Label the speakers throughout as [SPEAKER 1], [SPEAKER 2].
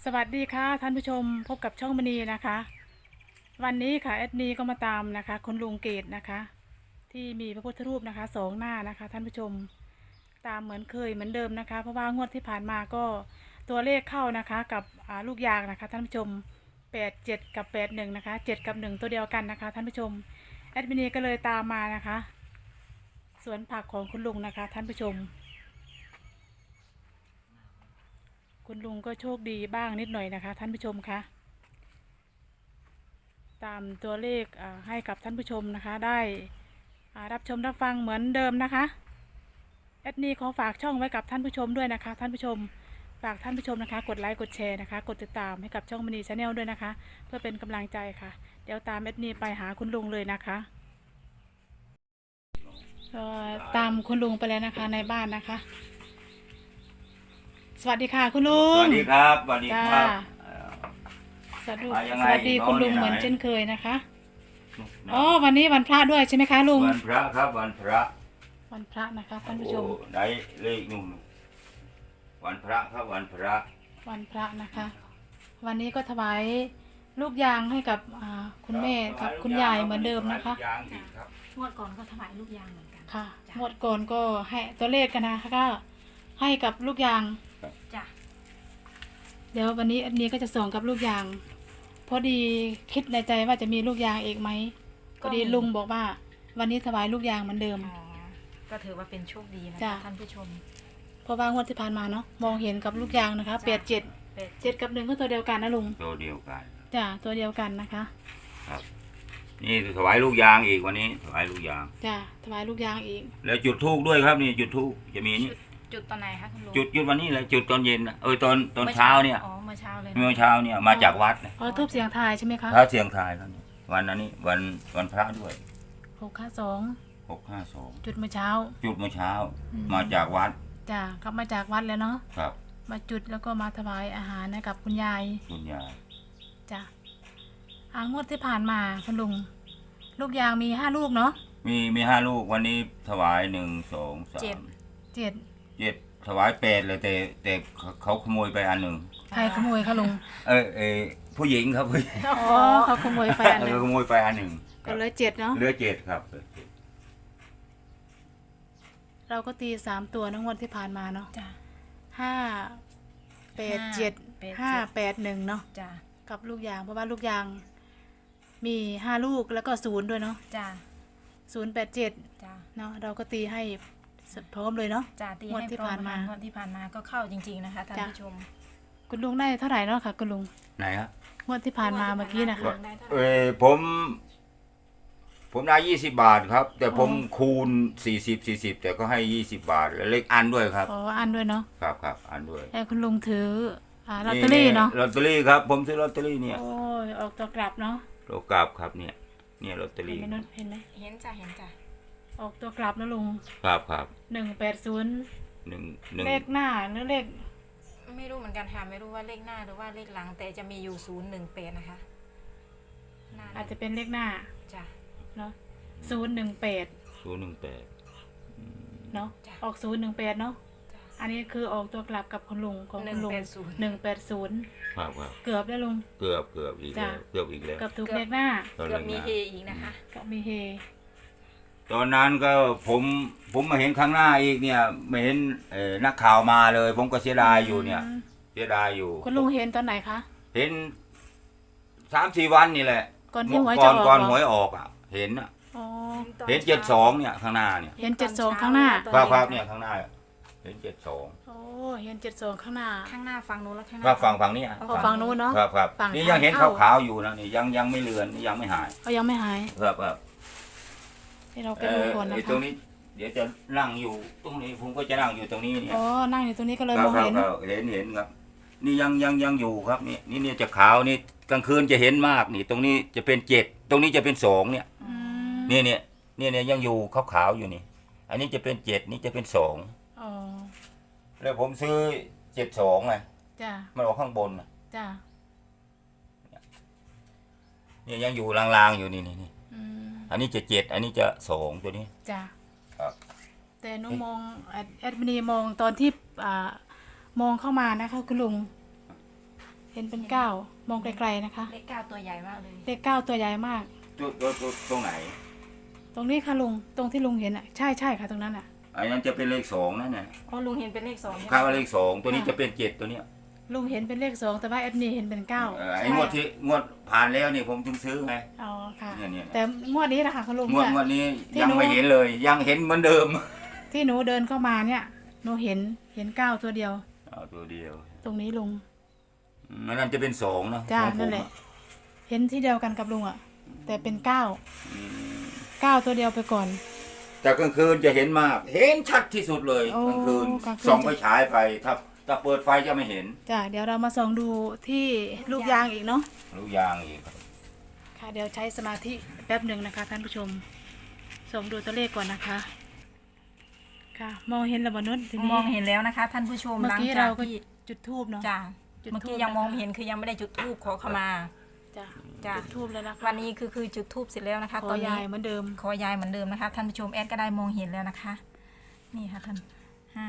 [SPEAKER 1] สวัสดีค่ะท่านผู้ชมพบกับช่องมณีนะคะ วันนี้ค่ะแอดมีก็มาตามนะคะคุณลุงเกตนะคะ ที่มีพระพุทธรูปนะคะสองหน้านะคะท่านผู้ชมตามเหมือนเคยเหมือนเดิมนะคะ เพราะว่างวดที่ผ่านมาก็ตัวเลขเข้านะคะกับลูกยางนะคะท่านผู้ชม87กับ81นะคะ7กับ1ตัวเดียวกันนะคะท่านผู้ชมแอดมินีก็เลยตามมานะคะสวนผักของคุณลุงนะคะท่านผู้ชมคุณลุงก็โชคดีบ้างนิดหน่อยนะคะท่านผู้ชมคะตามตัวเลขให้กับท่านผู้ชมนะคะได้รับชมรับฟังเหมือนเดิมนะคะแอดนี่ขอฝากช่องไว้กับท่านผู้ชมด้วยนะคะท่านผู้ชมฝากท่านผู้ชมนะคะกดไลค์กดแชร์นะคะกดติดตามให้กับช่องมณีชาแนลด้วยนะคะเพื่อเป็นกำลังใจค่ะเดี๋ยวตามแอดนี่ไปหาคุณลุงเลยนะคะตามคุณลุงไปแล้วนะคะในบ้านนะคะสวัสดีค่ะคุณลุง
[SPEAKER 2] สวัสดีครับสวัสดีครับ
[SPEAKER 1] สวัสดี
[SPEAKER 2] ยังไง
[SPEAKER 1] สวัสดีคุณลุง
[SPEAKER 2] น้องอยู่ไหน
[SPEAKER 1] เหมือนเช่นเคยนะคะอ๋อวันนี้วันพระด้วยใช่ไหมคะลุง
[SPEAKER 2] วันพระครับวันพระ
[SPEAKER 1] วันพระนะคะท่านผู้ชม
[SPEAKER 2] โอ้ได้เลขนุ่มวันพระครับวันพระ
[SPEAKER 1] วันพระนะคะ วันนี้ก็ถวายลูกยางให้กับคุณแม่กับคุณยายเหมือนเดิมนะคะ
[SPEAKER 2] ยางอีกครับ
[SPEAKER 3] งวดก่อนก็ถวายลูกยางเหมือนกัน
[SPEAKER 1] ค่ะ
[SPEAKER 3] จ้ะ
[SPEAKER 1] หมดก่อนก็ให้ตัวเลขกันนะคะก็ให้กับลูกยาง
[SPEAKER 3] จ้ะ
[SPEAKER 1] เดี๋ยววันนี้อันนี้ก็จะส่งกับลูกยาง พอดีคิดในใจว่าจะมีลูกยางอีกไหมพอดีลุงบอกว่า วันนี้ถวายลูกยางเหมือนเดิม
[SPEAKER 3] อ๋อก็ถือว่าเป็นโชคดีนะ
[SPEAKER 1] จ้ะ
[SPEAKER 3] คะท่านผู้ชม
[SPEAKER 1] เพราะว่างวดที่ผ่านมาเนาะมองเห็นกับลูกยางนะคะเปดเจ็ด
[SPEAKER 3] เป็ด
[SPEAKER 1] 7กับ1ก็ตัวเดียวกันนะลุง
[SPEAKER 2] ตัวเดียวกัน
[SPEAKER 1] จ้ะตัวเดียวกันนะคะ
[SPEAKER 2] ครับ นี่ถวายลูกยางอีกวันนี้ถวายลูกยาง
[SPEAKER 1] จ้ะถวายลูกยางอีก
[SPEAKER 2] แล้วจุดธูปด้วยครับนี่จุดธูปจะมีนี่
[SPEAKER 3] จุดตอนไหนคะคุณลุง
[SPEAKER 2] จุดวันนี้เลยจุดตอนเย็นนะตอนเช้าเนี่ย
[SPEAKER 3] อ๋อเมื่อเช้าเลยนะ
[SPEAKER 2] เมื่อเช้าเนี่ยมาจากวัดนะ
[SPEAKER 1] พอทูบเสียงทายใช่ไหมคะ
[SPEAKER 2] พระเสียงทายครับเนี่ยวันนั้นนี่วันพระด้วย
[SPEAKER 1] 652
[SPEAKER 2] 652
[SPEAKER 1] จุดเมื่อเช้า
[SPEAKER 2] จุดเมื่อเช้า
[SPEAKER 1] อืม
[SPEAKER 2] มาจากวัด
[SPEAKER 1] จ้ะกลับมาจากวัดแล้วเนาะ
[SPEAKER 2] ครับ
[SPEAKER 1] มาจุดแล้วก็มาถวายอาหารให้กับคุณยาย
[SPEAKER 2] คุณยาย
[SPEAKER 1] จ้ะงวดที่ผ่านมาคุณลุงลูกยางมี5 ลูกเนาะ
[SPEAKER 2] มี5 ลูกวันนี้ถวาย1 2 3
[SPEAKER 1] 7
[SPEAKER 2] 7ถวาย8เลยแต่เขาขโมยไปอันหนึ่ง
[SPEAKER 1] ใครขโมยคะลุง
[SPEAKER 2] ผู้หญิงครับผู้หญิง
[SPEAKER 1] อ๋อเขาขโมยไปอันหนึง
[SPEAKER 2] เขาขโมยไปอันหนึ่ง
[SPEAKER 1] ก็เหลย7เนาะ
[SPEAKER 2] เหลือ7ครับ
[SPEAKER 1] เราก็ตี3 ตัวนะงวดที่ผ่านมาเนาะ
[SPEAKER 3] จ้ะ
[SPEAKER 1] 5 8 7 5 8 1เนาะ
[SPEAKER 3] จ้ะ
[SPEAKER 1] กับลูกยางเพราะว่าลูกยางมี5 ลูกแล้วก็0ด้วยเนาะ
[SPEAKER 3] จ้ะ
[SPEAKER 1] 087
[SPEAKER 3] จ้ะ
[SPEAKER 1] เนาะเราก็ตีให้พร้อมเลยเนาะ
[SPEAKER 3] จ้ะตี
[SPEAKER 1] งวด
[SPEAKER 3] ให้
[SPEAKER 1] ที่
[SPEAKER 3] พร้อ
[SPEAKER 1] ผ่าม นมา
[SPEAKER 3] งวดที่ผ่านมาก็เข้าจริงๆนะคะท่าน
[SPEAKER 1] จ้ะ
[SPEAKER 3] ผู้ชม
[SPEAKER 1] คุณลุงได้เท่าไหร่เนาะค่ะคุณลุง
[SPEAKER 2] ไหนครับ
[SPEAKER 1] งวดที่ผ่านมาเมื่อกี้นะคะ
[SPEAKER 3] ได้เท่าไห
[SPEAKER 2] เอ
[SPEAKER 3] ร่
[SPEAKER 2] ผมได้20 บาทครับ แต่ผม
[SPEAKER 1] อ๋อ
[SPEAKER 2] คูณ40แต่ก็ให้20 บาทแล้วเลขอันด้วยครับ
[SPEAKER 1] อ๋ออันด้วยเนาะ
[SPEAKER 2] ครับอันด้วย
[SPEAKER 1] แต่คุณลุงถือลอตเตอรี่เนาะ
[SPEAKER 2] ลอตเตอรี่ครับ ผมซื้อลอตเตอรี่เนี่ย
[SPEAKER 1] โอ้ยออกตัวกลับเนาะ
[SPEAKER 2] โลกราบครับเนี่ยลอตเตอ
[SPEAKER 1] เห็น
[SPEAKER 2] รี่
[SPEAKER 1] ไหมนุชเห็นไหม
[SPEAKER 3] เห็นจ้ะเห็นจ้ะ
[SPEAKER 1] ออกตัวกลับนะลุง
[SPEAKER 2] ครับ
[SPEAKER 1] 180
[SPEAKER 2] หนึ่ง
[SPEAKER 1] เลขหน้าหรือเลข
[SPEAKER 3] ไม่รู้เหมือนกันค่ะไม่รู้ว่าเลขหน้าหรือว่าเลขหลัง แต่จะมีอยู่018นะคะหน้า
[SPEAKER 1] อาจจะเป็นเลขหน้า
[SPEAKER 3] จ้ะ
[SPEAKER 1] เนาะ018
[SPEAKER 2] 018
[SPEAKER 1] เนาะ
[SPEAKER 3] จ้ะ
[SPEAKER 1] ออก018เนาะ
[SPEAKER 3] จ้ะ
[SPEAKER 1] อันนี้คือออกตัวกลับกับคุณลุงของคุณลุง
[SPEAKER 3] 180
[SPEAKER 2] ครับ
[SPEAKER 1] เกือบแล้วลุง
[SPEAKER 2] เกือบอีกแล้ว
[SPEAKER 1] จ้ะ
[SPEAKER 2] เกือบอีกแล้ว
[SPEAKER 1] เกือบถูกเลขหน้า
[SPEAKER 3] เกือบมีเฮอีกนะคะ
[SPEAKER 1] ก็มีเฮ
[SPEAKER 2] ตอนนั้นก็ผมมาเห็นข้างหน้าอีกเนี่ยไม่เห็นนักข่าวมาเลย ผมก็เสียดายอยู่เนี่ย เสียดายอยู่
[SPEAKER 1] คุณลุงเห็นตอนไหนคะ
[SPEAKER 2] เห็น3-4 วันนี่แหละ
[SPEAKER 1] ก่อนที่หวยจะออก
[SPEAKER 2] ก่อน
[SPEAKER 1] เหรอ
[SPEAKER 2] หวยออกอ่ะ เห็นอ่ะ
[SPEAKER 1] อ๋อ
[SPEAKER 2] เห็น72เนี่ยข้างหน้าเนี่ย
[SPEAKER 1] เห็น72ข้างหน้า
[SPEAKER 2] ครับเนี่ยข้างหน้า เห็น72
[SPEAKER 1] โอ้เห็น72ข้างหน้า
[SPEAKER 3] ข้างหน้าฝั่งนู้นแล้วข้างห
[SPEAKER 2] ครั
[SPEAKER 3] น้า
[SPEAKER 2] บฝั่งนี้
[SPEAKER 1] อ๋อฝั่งนู้นเนาะ
[SPEAKER 2] ครับ
[SPEAKER 1] ฝั่ง
[SPEAKER 2] นี่ยังเห็น
[SPEAKER 1] ทางเข้า
[SPEAKER 2] ขาวๆอยู่นะนี่ยังไม่เลือนยังไม่หาย
[SPEAKER 1] เขายังไม่หาย
[SPEAKER 2] ครับ
[SPEAKER 1] ให้เราไปดูก่อนนะ
[SPEAKER 2] ไอ้ตร
[SPEAKER 1] คะ
[SPEAKER 2] งนี้ เดี๋ยวจะนั่งอยู่ตรงนี้ผมก็จะนั่งอยู่ตรงนี้เนี่ย
[SPEAKER 1] อ๋อนั่งอยู่ตรงนี้ก็เลย
[SPEAKER 2] ค
[SPEAKER 1] ม
[SPEAKER 2] รับ
[SPEAKER 1] อง
[SPEAKER 2] ครับ
[SPEAKER 1] เห็น
[SPEAKER 2] ครับเห็นครับ นี่ยังอยู่ครับนี่จะขาวนี่กลางคืนจะเห็นมากนี่ ตรงนี้จะเป็น7ตรงนี้จะเป็น2เนี่ย
[SPEAKER 1] อืม
[SPEAKER 2] เนี่ยยังอยู่ขาวๆอยู่นี่ อันนี้จะเป็น7นี่จะเป็น2
[SPEAKER 1] อ๋อ
[SPEAKER 2] แล้วผมซื้อ72ไง
[SPEAKER 1] จ้า
[SPEAKER 2] มันออกข้างบนน่ะ
[SPEAKER 1] จ้า
[SPEAKER 2] เนี่ยยังอยู่ลางๆอยู่นี่
[SPEAKER 1] อืม
[SPEAKER 2] อันนี้จะ7อันนี้จะ2ตัวนี้
[SPEAKER 1] จ้า
[SPEAKER 2] ครับ
[SPEAKER 1] แต่หนูมองแอดมินีมองตอนที่มองเข้ามานะคะคุณลุงเห็นเป็น9มองไกลๆนะคะ
[SPEAKER 3] เลข9ตัวใหญ่มากเลย
[SPEAKER 1] เลข9ตัวใหญ่มาก
[SPEAKER 2] ตรงไหน
[SPEAKER 1] ตรงนี้ค่ะลุงตรงที่ลุงเห็นอ่ะใช่ค่ะตรงนั้นอ่ะ
[SPEAKER 2] อันนั้นจะเป็นเลข2นั่นน่ะ
[SPEAKER 3] อ๋อลุงเห็นเป็นเลข2ใช่ไหม
[SPEAKER 2] คาดว่าเลข2ตัวนี้จะเป็น7ตัวเนี้ย
[SPEAKER 1] ลุงเห็นเป็นเลข2แต่ว่าแอดมินเห็นเป็น9
[SPEAKER 2] ไอ้งวดผ่านแล้วนี่ผมถึงซื้อไง
[SPEAKER 1] อ๋อค่ะ
[SPEAKER 2] เนี่ย
[SPEAKER 1] แต่งวดนี้นะคะคุณลุง
[SPEAKER 2] งวด
[SPEAKER 1] เนี่ย
[SPEAKER 2] งวดนี้
[SPEAKER 1] ที่
[SPEAKER 2] ยัง
[SPEAKER 1] หนู
[SPEAKER 2] ไม่เห็นเลย ยังเห็นเหมือนเดิม
[SPEAKER 1] ที่หนูเดินเข้ามาเนี่ยหนูเห็น9ตัวเดียว
[SPEAKER 2] เอาตัวเดียว
[SPEAKER 1] ตรงนี้ลุง
[SPEAKER 2] อันนั้นจะเป็น2นะ
[SPEAKER 1] จ้า
[SPEAKER 2] ของผม
[SPEAKER 1] นั่นแหละ
[SPEAKER 2] อะ
[SPEAKER 1] เห็นที่เดียวกันกับลุงอ่ะแต่เป็น9ตัวเดียวไปก่อน
[SPEAKER 2] แต่กลางคืนจะเห็นมาก เห็นชัดที่สุดเลย
[SPEAKER 1] โอ้
[SPEAKER 2] กลางคืน
[SPEAKER 1] กลางคืน
[SPEAKER 2] ส่องไปฉายไปถ้าเปิดไฟจะไม่เห็น
[SPEAKER 1] จ้าเดี๋ยวเรามาส่องดูที่ลูกยางอีกเนาะ
[SPEAKER 2] ลูกยางอีก
[SPEAKER 1] ค่ะเดี๋ยวใช้สมาธิแป๊บหนึ่งนะคะท่านผู้ชมส่องดูตัวเลขก่อนนะคะ ค่ะ มองเห็นระบนุษทีนี้
[SPEAKER 3] มองเห็นแล้วนะคะ ท่านผู้ชม
[SPEAKER 1] เมื่อ
[SPEAKER 3] หลัง
[SPEAKER 1] กี้
[SPEAKER 3] จา
[SPEAKER 1] เรา
[SPEAKER 3] ก
[SPEAKER 1] ก็
[SPEAKER 3] ที่
[SPEAKER 1] จุดทูบเนาะ
[SPEAKER 3] จ้า
[SPEAKER 1] จุด
[SPEAKER 3] เมื่อกี้
[SPEAKER 1] ธูป
[SPEAKER 3] ยังมอง
[SPEAKER 1] นะคะ
[SPEAKER 3] ไม่เห็นคือยังไม่ได้จุดธูปขอขมา
[SPEAKER 1] จ้า
[SPEAKER 3] จ้ะ
[SPEAKER 1] จุดทูบแล้วนะคะ
[SPEAKER 3] วันนี้คือจุดธูปเสร็จแล้วนะคะ
[SPEAKER 1] ข
[SPEAKER 3] ต
[SPEAKER 1] อ
[SPEAKER 3] อน
[SPEAKER 1] ยา
[SPEAKER 3] นี้
[SPEAKER 1] ยเหมือนเดิม
[SPEAKER 3] ขอยายเหมือนเดิมนะคะท่านผู้ชมแอดก็ได้มองเห็นแล้วนะคะ นี่ค่ะท่านห้า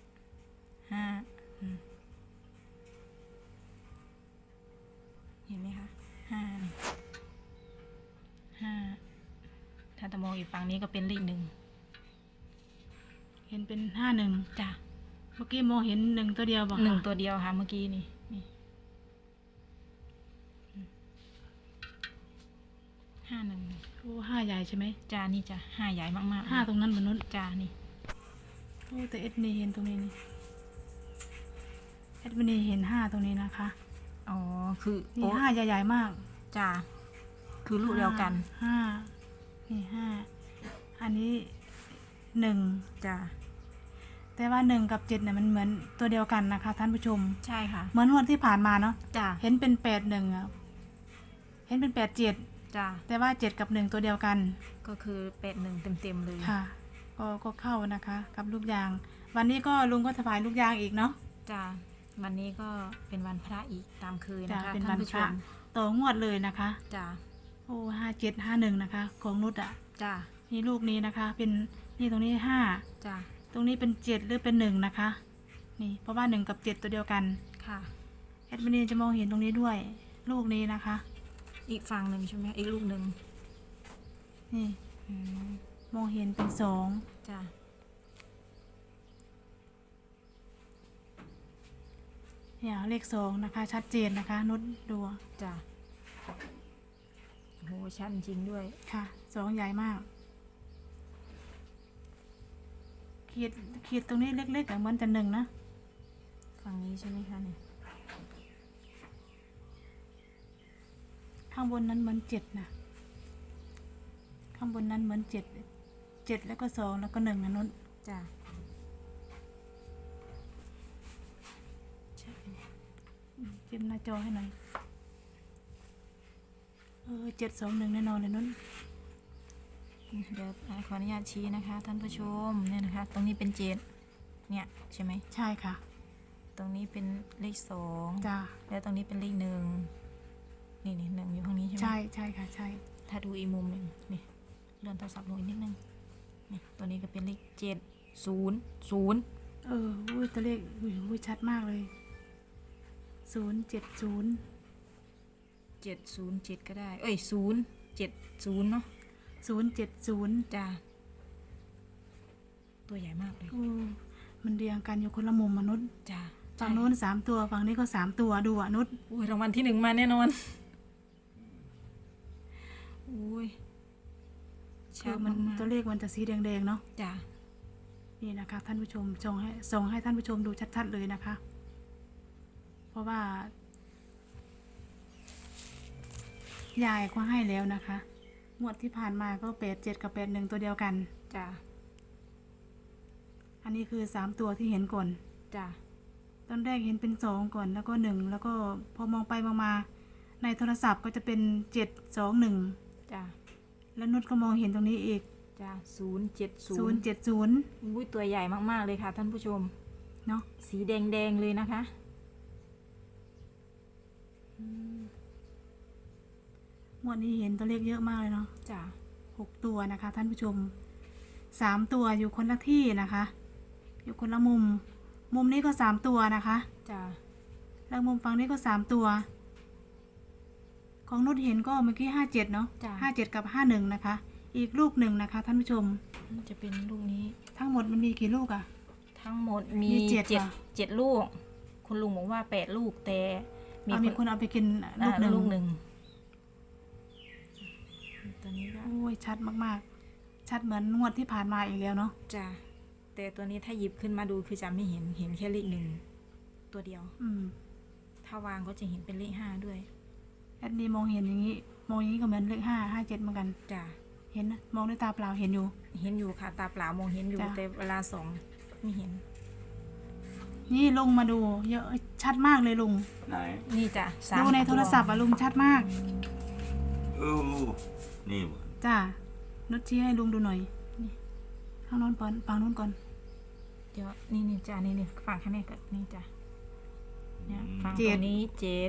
[SPEAKER 3] เห็นไหมคะห้าถ้าจะมองอีกฝั่งนี้ก็เป็นเลข1
[SPEAKER 1] เห็นเป็น51
[SPEAKER 3] จ้ะ
[SPEAKER 1] เมื่อกี้มองเห็น1ตัวเดียวบอก
[SPEAKER 3] 1ตัวเดียวค่ะเมื่อกี้นี่51
[SPEAKER 1] โอ้5ใหญ่ใช่ไหม
[SPEAKER 3] จ้านี่จ้ะ5ใหญ่มากๆ
[SPEAKER 1] 5ตรงนั้นบนนู้น
[SPEAKER 3] จ้านี่
[SPEAKER 1] โอ้แต่เอ็ดมินเห็นตรงนี้นี่เอ็ดมินเห็น5ตรงนี้นะคะ
[SPEAKER 3] อ๋อคือ
[SPEAKER 1] นี่
[SPEAKER 3] โอ้
[SPEAKER 1] 5ใหญ่ๆมาก
[SPEAKER 3] จ้าคือลูกเดียวกัน
[SPEAKER 1] ห้านี่5อันนี้1
[SPEAKER 3] จ้า
[SPEAKER 1] แต่ว่า1กับ7เนี่ยมันเหมือนตัวเดียวกันนะคะ ท่านผู้ชม
[SPEAKER 3] ใช่ค่ะ
[SPEAKER 1] เหมือนวันที่ผ่านมาเนาะ
[SPEAKER 3] จ้า
[SPEAKER 1] เห็นเป็น81อ่ะเห็นเป็น87
[SPEAKER 3] จ้า
[SPEAKER 1] แต่ว่า7กับ1ตัวเดียวกัน
[SPEAKER 3] ก็คือ81เต็มเลย
[SPEAKER 1] ค่ะ ก็เข้านะคะ กับลูกยาง วันนี้ก็ลุงก็ถวายลูกยางอีกเนาะ
[SPEAKER 3] จ้าวันนี้ก็เป็นวันพระอีกตามเคย
[SPEAKER 1] จ้ะ
[SPEAKER 3] นะคะ
[SPEAKER 1] เป็น
[SPEAKER 3] ท่า
[SPEAKER 1] วัน น
[SPEAKER 3] ผู้ช
[SPEAKER 1] พระ
[SPEAKER 3] ม
[SPEAKER 1] ต่องวดเลยนะคะ
[SPEAKER 3] จ้า
[SPEAKER 1] โอ้5751นะคะ ของนุชอ่ะ
[SPEAKER 3] จ้า
[SPEAKER 1] นี่ลูกนี้นะคะ เป็นนี่ตรงนี้5
[SPEAKER 3] จ้า
[SPEAKER 1] ตรงนี้เป็น7หรือเป็น1นะคะ นี่เพราะว่า1กับ7ตัวเดียวกัน
[SPEAKER 3] ค่ะ
[SPEAKER 1] แอดมินจะมองเห็นตรงนี้ด้วย ลูกนี้นะคะ
[SPEAKER 3] อีกฝั่งหนึ่งใช่ไหมอีกลูกหนึ่ง
[SPEAKER 1] นี่
[SPEAKER 3] อืม
[SPEAKER 1] มองเห็นเป็น2
[SPEAKER 3] จ้า
[SPEAKER 1] เนี่ยเลข2นะคะ ชัดเจนนะคะนุชดู
[SPEAKER 3] จ้าโหชัดจริงด้วย
[SPEAKER 1] ค่ะ2ใหญ่มากขีดตรงนี้เล็กๆอะเหมือนจะ1นะ
[SPEAKER 3] ฝั่งนี้ใช่ไหมคะเนี่ย
[SPEAKER 1] ข้างบนนั้นเหมือน7นะข้างบนนั้นเหมือน7แล้วก็2แล้วก็1นะนุช
[SPEAKER 3] จ้า
[SPEAKER 1] จิ้มหน้าจอให้หน่อย721แน่นอนเลยนุช
[SPEAKER 3] เดี๋ยวขออนุญาตชี้นะคะ ท่านผู้ชมเนี่ยนะคะ ตรงนี้เป็น7เนี่ยใช่ไหม
[SPEAKER 1] ใช่ค่ะ
[SPEAKER 3] ตรงนี้เป็นเลข2
[SPEAKER 1] จ้า
[SPEAKER 3] แล้วตรงนี้เป็นเลข1นี่1อยู่ข้างนี้ใช่ไหม
[SPEAKER 1] ใช่ค่ะใช่
[SPEAKER 3] ถ้าดูอีกมุมหนึ่งนี่เลื่อนโทรศัพท์ลงอีกนิดนึงนี่ตัวนี้ก็เป็นเลข700
[SPEAKER 1] อุ้ยตัวเลขอุ้ยชัดมากเลย070
[SPEAKER 3] 707ก็ได้เอ้ย070เนาะ
[SPEAKER 1] 070
[SPEAKER 3] จ้าตัวใหญ่มากเลย
[SPEAKER 1] มันเรียงกันอยู่คนละมุมมนุษย์
[SPEAKER 3] จ้า
[SPEAKER 1] ฝั่งโน้น3ตัวฝั่งนี้ก็3ตัวดูอ่ะนุช
[SPEAKER 3] อุ้ยรางวัลที่1มาแน่นอนอุ้ย
[SPEAKER 1] คือมัน
[SPEAKER 3] ากๆ
[SPEAKER 1] ตัวเลขมันจะสีแดงๆเนาะ
[SPEAKER 3] จ้า
[SPEAKER 1] นี่นะคะท่านผู้ชมส่งให้ท่านผู้ชมดูชัดๆเลยนะคะ เพราะว่ายายก็ให้แล้วนะคะงวดที่ผ่านมาก็87กับ81ตัวเดียวกัน
[SPEAKER 3] จ้า
[SPEAKER 1] อันนี้คือ3ตัวที่เห็นก่อน
[SPEAKER 3] จ้า
[SPEAKER 1] ตอนแรกเห็นเป็น2ก่อนแล้วก็1แล้วก็พอมองไปมองมาในโทรศัพท์ก็จะเป็น721
[SPEAKER 3] จ้า
[SPEAKER 1] แล้วนุชก็มองเห็นตรงนี้อีก
[SPEAKER 3] จ้า070
[SPEAKER 1] 070
[SPEAKER 3] อุ้ยตัวใหญ่มากๆเลยค่ะ ท่านผู้ชม
[SPEAKER 1] เนาะ
[SPEAKER 3] สีแดงๆเลยนะคะ
[SPEAKER 1] งวดนี้เห็นตัวเลขเยอะมากเลยเนาะ
[SPEAKER 3] จ้า
[SPEAKER 1] 6ตัวนะคะ ท่านผู้ชม3ตัวอยู่คนละที่นะคะ อยู่คนละมุมนี้ก็3ตัวนะคะ
[SPEAKER 3] จ้า
[SPEAKER 1] แล้วมุมฝั่งนี้ก็3 ตัว ของนุชเห็นก็เมื่อกี้57เนาะ
[SPEAKER 3] จ้ะ
[SPEAKER 1] 57กับ51นะคะ อีกลูกหนึ่งนะคะท่านผู้ชม
[SPEAKER 3] จะเป็นลูกนี้
[SPEAKER 1] ทั้งหมดมันมีกี่ลูกอะ
[SPEAKER 3] ทั้งหมดมี
[SPEAKER 1] มีเจ็ด
[SPEAKER 3] เจ็ด
[SPEAKER 1] เหรอ
[SPEAKER 3] เจ็ดลูก คุณลุงบอกว่า8 ลูกแต่
[SPEAKER 1] มีคนเอาไปกินลูกหนึ่ง
[SPEAKER 3] ลูกหนึ่งตัวนี้ก็
[SPEAKER 1] โอ้ยชัดมากๆ ชัดเหมือนงวดที่ผ่านมาอีกแล้วเนาะ
[SPEAKER 3] จ้ะแต่ตัวนี้ถ้าหยิบขึ้นมาดูคือจะไม่เห็นแค่เลข 1ตัวเดียว
[SPEAKER 1] อืม
[SPEAKER 3] ถ้าวางก็จะเห็นเป็นเลข 5ด้วย
[SPEAKER 1] แอดดีมองเห็นอย่างนี้ มองอย่างนี้ก็เหมือนเลข5 57เหมือนกัน
[SPEAKER 3] จ้ะ
[SPEAKER 1] เห็นนะมองด้วยตาเปล่าเห็นอยู่
[SPEAKER 3] เห็นอยู่ค่ะตาเปล่ามองเห็นอยู่
[SPEAKER 1] จ้ะ
[SPEAKER 3] แต่เวลาส่องไม่เห็น
[SPEAKER 1] นี่ลุงมาดูเยอะชัดมากเลยลุง
[SPEAKER 2] ไหน
[SPEAKER 3] นี่จ้ะสาม
[SPEAKER 1] ดูในโทรศัพท์อะลุงชัดมาก
[SPEAKER 2] เออนี่บ่
[SPEAKER 1] จ้านุชชี้ให้ลุงดูหน่อยนี่ข้างโน้นก่อนฝั่งโน้นก่อน
[SPEAKER 3] เดี๋ยวนี่จ้ะนี่ฝั่งข้างในก็นี่จ้ะเนี่ยฝั่ง
[SPEAKER 1] เจ็
[SPEAKER 3] ต
[SPEAKER 1] ด
[SPEAKER 3] รงนี้7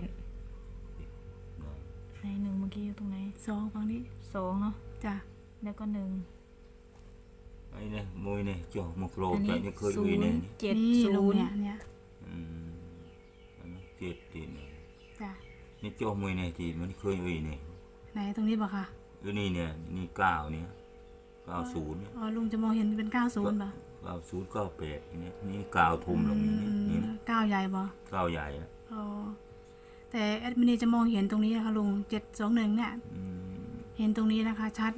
[SPEAKER 3] ใน1เมื่อกี้อยู่ตรงไหน
[SPEAKER 1] 2ฝั่งนี้
[SPEAKER 3] 2เนาะ
[SPEAKER 1] จ้า
[SPEAKER 3] แล้วก็1
[SPEAKER 2] ไอ้เนี่ยมวยเนี่ยจ่อมกโร
[SPEAKER 3] อัน
[SPEAKER 2] ใจ
[SPEAKER 3] นี้
[SPEAKER 2] เนี่ยเคยมีเนี่ยนี่
[SPEAKER 1] นี่ลุง
[SPEAKER 3] 0
[SPEAKER 1] เนี่ย
[SPEAKER 2] อืมอันนั้นเจ็ดตีเนี่ย
[SPEAKER 1] จ้า
[SPEAKER 2] นี่จ่อมวยเนี่ยที่มันเคยมีเนี่ย
[SPEAKER 1] ไหนตรงนี้บ่คะ
[SPEAKER 2] นี่เนี่ยนี่9เนี่ย90เนี่ย
[SPEAKER 1] อ๋อลุงจะมองเห็นเป็น90ป่ะ
[SPEAKER 2] 90 98เนี่ยนี่9ทุ่มลงนี่นี่นะ
[SPEAKER 1] 9ใหญ่บ่
[SPEAKER 2] 9ใหญ่นะ
[SPEAKER 1] อ๋อแต่แอดมินจะมองเห็นตรงนี้นะคะลุง721เนี่ย
[SPEAKER 2] อืม
[SPEAKER 1] เห็นตรงนี้นะคะ ชัด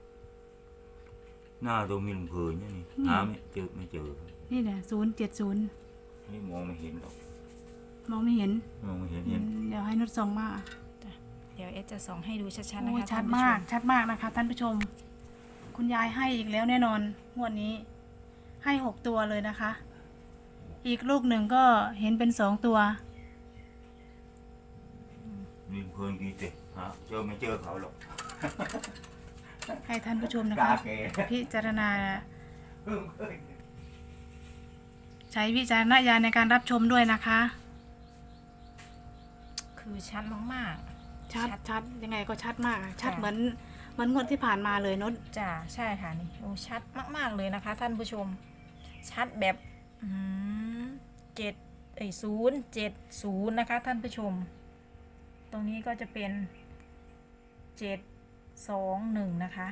[SPEAKER 2] หน้าตรงมีลำเพยเนี่ยนี่
[SPEAKER 1] นี่
[SPEAKER 2] หาไม่เจอ
[SPEAKER 1] นี่เนี่ย070
[SPEAKER 2] นี่มองไม่เห็นหรอก
[SPEAKER 1] มองไม่เห็น
[SPEAKER 2] มองไม่เห็นเห็น
[SPEAKER 1] เดี๋ยวให้นุชส่องมา
[SPEAKER 3] เดี๋ยวเอสจะส่องให้ดูชัดๆนะ
[SPEAKER 1] โอ้ย
[SPEAKER 3] คะ
[SPEAKER 1] ชัด
[SPEAKER 3] ท่นผู้
[SPEAKER 1] มาก
[SPEAKER 3] ช
[SPEAKER 1] ชัดมากนะคะ ท่านผู้ชม คุณยายให้อีกแล้วแน่นอนงวดนี้ ให้6 ตัวเลยนะคะ อีกลูกหนึ่งก็เห็นเป็น2 ตัว
[SPEAKER 2] มีลำเพยกี่เตะฮะไม่เจอเขาหรอก
[SPEAKER 1] ให้ท่านผู้ชมนะ
[SPEAKER 2] กา
[SPEAKER 1] คะ
[SPEAKER 2] แก
[SPEAKER 1] พิจารณา ใช้วิจารณญาณในการรับชมด้วยนะคะ
[SPEAKER 3] คือชัดมาก
[SPEAKER 1] ชัดยังไงก็ชัดมากอะชัด
[SPEAKER 3] ค่ะ
[SPEAKER 1] เหมือนงวดที่ผ่านมาเลยนุช
[SPEAKER 3] ๆจ้ะใช่ค่ะนี่โอ้ชัดมากๆเลยนะคะ ท่านผู้ชม ชัดแบบ070นะคะ ท่านผู้ชม ตรงนี้ก็จะเป็น721นะคะ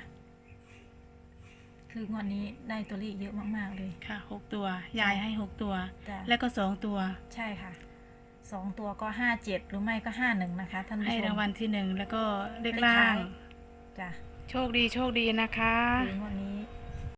[SPEAKER 3] คืองวดนี้ได้ตัวเลขเยอะมากๆเลย
[SPEAKER 1] ค่ะ6 ตัวยายให้6 ตัว
[SPEAKER 3] จ้ะ
[SPEAKER 1] แล้วก็2 ตัว
[SPEAKER 3] ใช่ค่ะ2 ตัวก็57หรือไม่ก็51นะคะ ท่านผู้ชม
[SPEAKER 1] ให้รางวัลที่ 1 แล้วก็เลข
[SPEAKER 3] เลข
[SPEAKER 1] ล่า
[SPEAKER 3] ท้าง ย จ้ะ
[SPEAKER 1] โชคดีนะคะ
[SPEAKER 3] คืองวดนี้